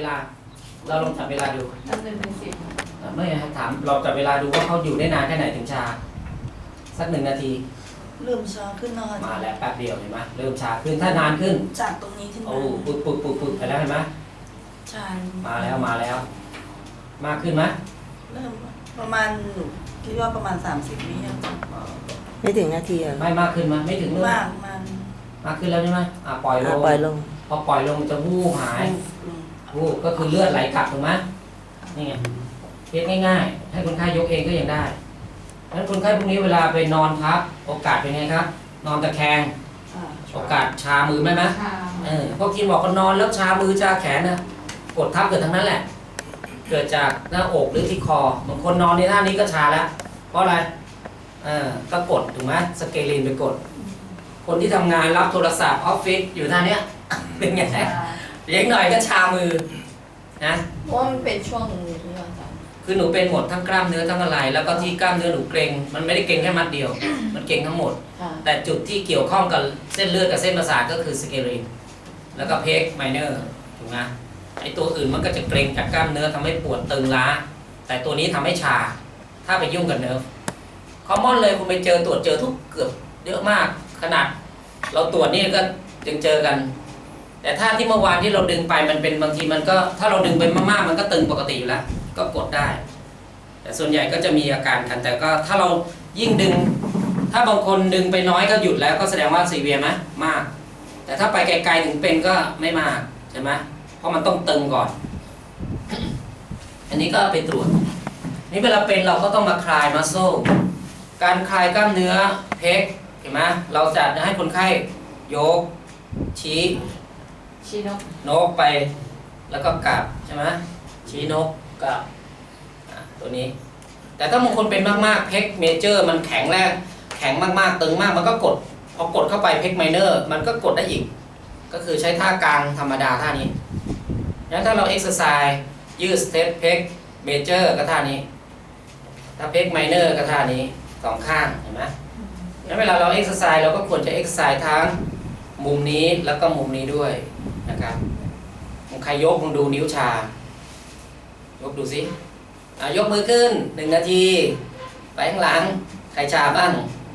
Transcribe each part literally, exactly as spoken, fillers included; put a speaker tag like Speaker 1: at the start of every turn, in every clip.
Speaker 1: ลา เราลองจับเวลาดู
Speaker 2: นับหนึ่งถึงสิบ
Speaker 1: ไม่ครับถามเราจับเวลาดูว่าเขาอยู่ได้นานแค่ไหนถึงชา สักหนึ่งนาที
Speaker 3: เริ่มช้าขึ้นนะคะ
Speaker 1: มาแล้วแป๊บเดียวเห็นไหมเริ่มชาขึ้นถ้านานขึ้น
Speaker 3: จากตรงนี้ขึ้นมา
Speaker 1: โอ้ปุดปุดปุดปุดไปแล้วเห็นไหม
Speaker 3: ใช่
Speaker 1: มาแล้วมาแล้ว มากขึ้นไหม
Speaker 3: เริ่มประมาณหนูคิดว่าประมาณสามสิบวิอะ
Speaker 4: ไม่ถึงนาทีอ่ะ
Speaker 1: ไม่มากขึ้นไหมไม่ถึงเลย
Speaker 3: มากมัน
Speaker 1: มากขึ้นแล้วใช่ไหมอ่ะปล่อยล
Speaker 4: อ่ะ
Speaker 1: ง
Speaker 4: ปล่อยลง
Speaker 1: พอปล่อยลงมันจะวูบหาย
Speaker 3: อืม
Speaker 1: วูบก็คือเลือดไหลกลับถูกไหมนี่ไงเคสง่ายๆ ให้คนไข้ยกเองก็ยังได้เพราะฉะนั้นคนไข้พวกนี้เวลาไปนอนพักโอกาสเป็นไงครับ นอนตะแคง
Speaker 3: อ่า
Speaker 1: โอกาสชามือไหมไหม
Speaker 2: ชา
Speaker 1: เออพวกกินบอกก็นอนแล้วชามือชาแขนนะกดทับเกิดทั้งนั้นแหละ เกิดจากหน้าอกหรือที่คอบางคนนอนในท่านี้ก็ชาแล้ว เพราะอะไรเออก็กดถูกไหมสเกลินไปกด คนที่ทำงานรับโทรศัพท์ออฟฟิศอยู่ท่าเนี้ย เป็นไง
Speaker 2: ชา
Speaker 1: เลี้ยงหน่อยก็ชามือนะ
Speaker 2: เพราะว่ามันเป็นช่วงนี้ที่เราจ
Speaker 1: คือหนูเป็นหมดทั้งกล้ามเนื้อทั้งอะไร แล้วก็ที่กล้ามเนื้อหนูเกร็งมันไม่ได้เกร็งแค่มัดเดียว มันเกร็งทั้งหมด
Speaker 2: ำค่ะ
Speaker 1: แต่จุดที่เกี่ยวข้องกับเส้นเลือดกับเส้นประสาทก็คือสเกลินแล้วก็เพกไมเนอร์ถูกไหมไอตัวอื่นมันก็จะเกร็งจากกล้ามเนื้อทำให้ปวดตึงล้า แต่ตัวนี้ทำให้ชา ถ้าไปยุ่งกับเนิร์ฟคอมมอนเลยคุณไปเจอตรวจเจอทุกเกือบเยอะมากขนาด เราตรวจนี่ก็จึงเจอกัน แต่ถ้าที่เมื่อวานที่เราดึงไปมันเป็นบางทีมันก็ถ้าเราดึงไปมากๆมันก็ตึงปกติอยู่แล้วก็กดได้ แต่ส่วนใหญ่ก็จะมีอาการกัน แต่ก็ถ้าเรายิ่งดึง ถ้าบางคนดึงไปน้อยก็หยุดแล้วก็แสดงว่าซีเวียไหมมาก แต่ถ้าไปไกลๆถึงเป็นก็ไม่มากใช่ไหมเพราะมันต้องตึงก่อน อันนี้ก็ไปตรวจ นี่เวลาเป็นเราก็ต้องมาคลายมัสโซการคลายกล้ามเนื้อเพกเห็นไหมเราจะให้คนไข้ยกชี้
Speaker 2: ชีนก
Speaker 1: นกไปแล้วก็กลับใช่ไหมชี้นกกลับอ่ะตัวนี้ แต่ถ้าบางคนเป็นมากๆเพกเมเจอร์มันแข็งแรกแข็งมากๆตึงมากมันก็กดพอกดเข้าไปเพกไมเนอร์มันก็กดได้อีก ก็คือใช้ท่ากลางธรรมดาท่านี้งั้นถ้าเราเอ็กซ์ไซส์ยืดสเตปเพกเมเจอร์ก็ท่านี้ ถ้าเพกไมเนอร์ก็ท่านี้สองข้างเห็นไหมงั้นเวลาเราเอ็กซ์ไซส์เราก็ควรจะเอ็กซ์ไซส์ทั้งมุมนี้แล้วก็มุมนี้ด้วยนะครับใครยกมึงดูนิ้วชา ยกดูสิอ่ะยกมือขึ้นหนึ่งนาที ไปข้างหลัง ใครชาบ้าง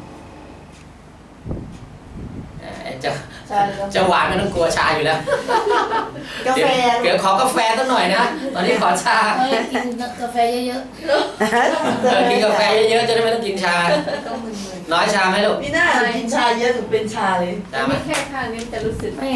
Speaker 1: อ่ะจะ
Speaker 2: ชาแล้ว
Speaker 1: จะหวานไม่ต้องกลัวชาอยู่แล้ว
Speaker 3: กาแฟ
Speaker 1: เดี๋ยวเดี๋ยวขอกาแฟสักหน่อยนะ ตอนนี้ขอชา
Speaker 5: เฮ้ยกินกาแฟเยอะ
Speaker 1: เออกินกาแฟเยอะๆจะได้ไม่ต้องกินชา
Speaker 2: ก็มึน
Speaker 1: น้อยชาไหมลูก
Speaker 3: พี่หน้ากินชาเยอะหนูเป็นชาเลย
Speaker 2: ๆ
Speaker 1: ชาไหม
Speaker 2: มีแค่ข้างนี้มันจะรู้สึก
Speaker 5: ๆ ไม่